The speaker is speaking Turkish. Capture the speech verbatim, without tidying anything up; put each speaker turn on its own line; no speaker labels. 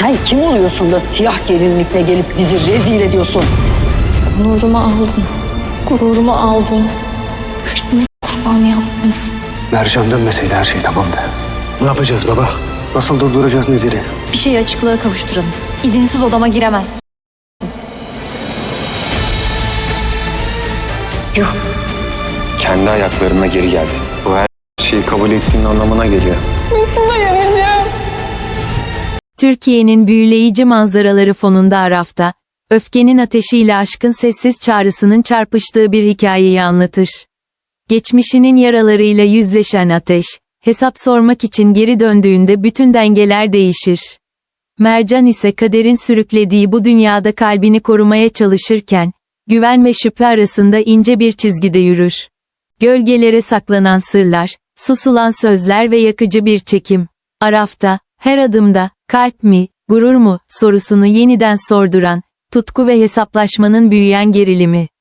Sen kim oluyorsun da siyah gelinlikle gelip bizi rezil ediyorsun?
Onurumu aldın. Gururumu aldın. Hırsını kurban yaptın.
Mercan dönmeseydi her şey tamamdı. Ne yapacağız baba? Nasıl durduracağız Nezir'i?
Bir şey açıklığa kavuşturalım. İzinsiz odama giremez.
Yuh!
Kendi ayaklarına geri geldin. Bu her şeyi kabul ettiğin anlamına geliyor.
Türkiye'nin büyüleyici manzaraları fonunda Araf'ta, öfkenin ateşiyle aşkın sessiz çağrısının çarpıştığı bir hikayeyi anlatır. Geçmişinin yaralarıyla yüzleşen Ateş, hesap sormak için geri döndüğünde bütün dengeler değişir. Mercan ise kaderin sürüklediği bu dünyada kalbini korumaya çalışırken, güven ve şüphe arasında ince bir çizgide yürür. Gölgelere saklanan sırlar, susulan sözler ve yakıcı bir çekim. Araf'ta, her adımda, kalp mi, gurur mu, sorusunu yeniden sorduran, tutku ve hesaplaşmanın büyüyen gerilimi.